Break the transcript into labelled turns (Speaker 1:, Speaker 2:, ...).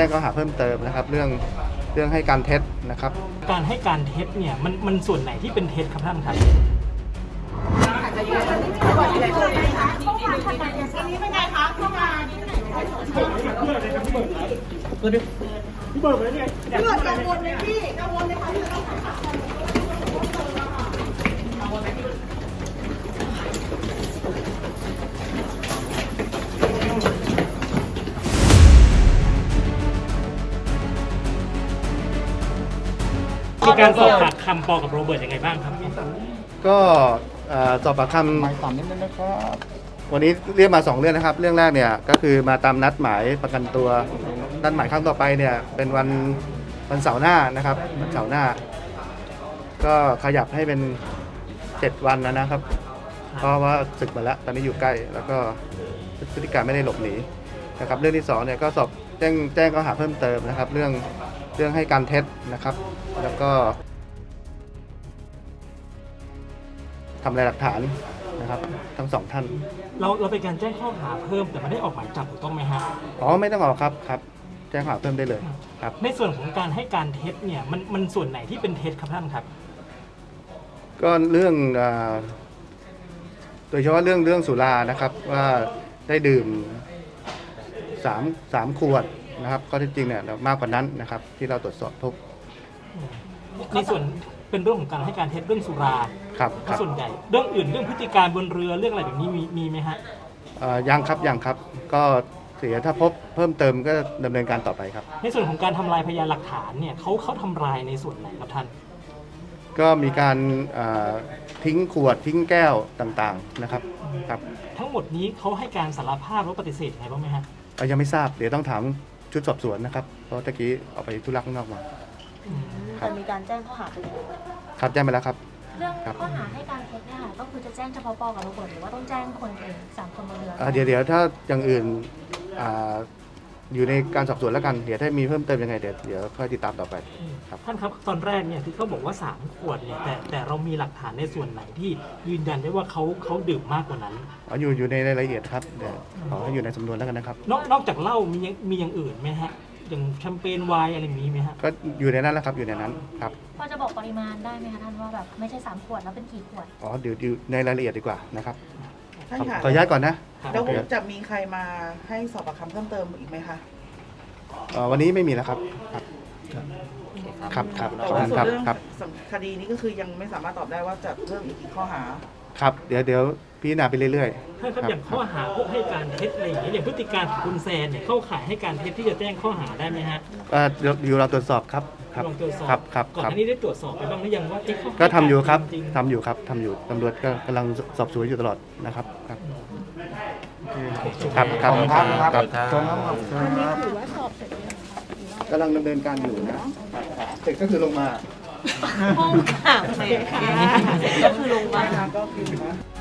Speaker 1: งข้อหาเพิ่มเติมนะครับเรื่องให้การเท็จนะครับ
Speaker 2: การให้การเท็จเนี่ยมันส่วนไหนที่เป็นเท็จครับท่านครับพี่เบิร์ดเลยเนี่ยพี่เบิร์ดกังวลเลยพี่กังวลเลยค่ะที่ต้องถ่ายภาพมีการสอบปากคำปอกับโรเบิร์ตยังไงบ้างครับ
Speaker 1: ก็สอบปากคำหมายสามนิดนึงนะครับวันนี้เรียกมา2เรื่องนะครับเรื่องแรกเนี่ยก็คือมาตามนัดหมายประกันตัวนัดหมายครั้งต่อไปเนี่ยเป็นวันเสาร์หน้านะครับวันเสาร์หน้าก็ขยับให้เป็น7วันนะครับเพราะว่าศึกมาแล้วตอนนี้อยู่ใกล้แล้วก็พฤติการไม่ได้หลบหนีนะครับเรื่องที่2เนี่ยก็สอบแจ้งข้อหาเพิ่มเติมนะครับเรื่องให้การเท็จนะครับแล้วก็ทำลายหลักฐานนะครับทั้ง2ท่าน
Speaker 2: เราเป็นการแจ้งข้อหาเพิ่มแต่ไม่ได้ออกหมายจับถูกต้องไหมฮะ
Speaker 1: อ๋อไม่ต้องออกครับแจ้งข้อหาเพิ่มได้เลยครับ
Speaker 2: ในส่วนของการให้การเท็จเนี่ยมันส่วนไหนที่เป็นเท็จครับท่านครับ
Speaker 1: ก็เรื่องโดยเฉพาะเรื่องสุรานะครับว่าได้ดื่ม3ขวดนะครับข้อเท็จจริงเนี่ยมากกว่านั้นนะครับที่เราตรวจสอบพบ
Speaker 2: ในส่วนเป็นเรื่องของการให้การเท็จเรื่องสุรา
Speaker 1: ครับ
Speaker 2: ส่วนใหญ่เรื่องอื่นเรื่องพฤติการบนเรือเรื่องอะไรแบบนี้มีไหมฮะ
Speaker 1: ยังครับก็เสียถ้าพบเพิ่มเติมก็ดำเนินการต่อไปครับ
Speaker 2: ในส่วนของการทำลายพยานหลักฐานเนี่ยเขาทำลายในส่วนไหนครับท่าน
Speaker 1: ก็มีการทิ้งขวดทิ้งแก้วต่างๆนะครับครับ
Speaker 2: ทั้งหมดนี้เขาให้การสารภาพหรือปฏิเสธไงบ้างไหมฮะ
Speaker 1: ยังไม่ทราบเดี๋ยวต้องถามชุดสอบสวนนะครับเพราะตะกี้ออกไปธุระข้างนอกมา
Speaker 3: จะมีการแจ้งข้อหาไปแล้ว
Speaker 1: ครับแจ้งไปแล้วครับ
Speaker 3: เรื่องข้อหาให้การเท็จเนี่ยค่ะก็คือจะแจ้งเฉพาะปอกับโรเบิร์ตหรือว่าต้องแจ้งคนเอง3 คนบนเรือ
Speaker 1: เดี๋ยวถ้าอย่างอื่นอยู่ในการสอบสวนแล้วกันเดี๋ยวถ้ามีเพิ่มเติมยังไงเดี๋ยวค่อยติดตามต่อไป
Speaker 2: ครับท่านครับตอนแรกเนี่ยที่เขาบอกว่า3 ขวดเนี่ยแต่เรามีหลักฐานในส่วนไหนที่ยืนยันได้ว่าเขาดื่มมากกว่านั้น
Speaker 1: อยู่ในรายละเอียดครับเดี๋ยวขอให้อยู่ในสำนวนแล้วกันนะครับ
Speaker 2: นอกจากเหล้ามีอย่างอื่นไหมฮะอย่างแชมเปญไวน์อะไรมีไหมฮะ
Speaker 1: ก็อยู่ในนั้นแหละครับอยู่ในนั้นครับ
Speaker 3: พอจะบอกปริมาณได้ไหมคะท่านว่าแบบไม่ใช่3 ขวดแล้วเป็นกี่ขวด
Speaker 1: เดี๋ยวในรายละเอียดดีกว่านะครับ
Speaker 4: ท่านค่ะ
Speaker 1: ขออนุญาตก่อนนะ
Speaker 4: แล้วจะมีใครมาให้สอบปากคำเพิ่มเติมอีกไหมคะ
Speaker 1: วันนี้ไม่มีแล้วครับครับ
Speaker 4: แต่ว่าส่วนเรื่องคดีนี้ก็คือยังไม่สามารถตอบได้ว่าจะเพิ่มอีกกี่ข้อหา
Speaker 1: ครับเดี๋ยวพิจารณาไปเรื่อย
Speaker 2: ๆถ้าครับอย่างข้อหาพวกให้การเท็จอะไรอย่างเงี้ยอย่างพฤติการของคุณแซนเนี่ยเข้าข่ายให้การเท็จที่จะแจ้งข้อหาได้ไหมฮะ
Speaker 1: อยู่เราตรวจสอบครับ
Speaker 2: ลองตรวจสอบ
Speaker 1: ครับ
Speaker 2: ก่อนหน้านี้ได้ตรวจสอบไปบ้างหรือยังว่า
Speaker 1: ก็ทำอยู่ครับทำอยู่ตำรวจก็กำลังสอบสวนอยู่ตลอดนะครับครับ
Speaker 3: ถือว่าสอบเสร็จแล้ว
Speaker 1: กำลังดำเนินการอยู่นะเสร็จก็คือลงมา
Speaker 3: ห้องขังเลยค่ะก็คือลงมา
Speaker 4: ก็คือ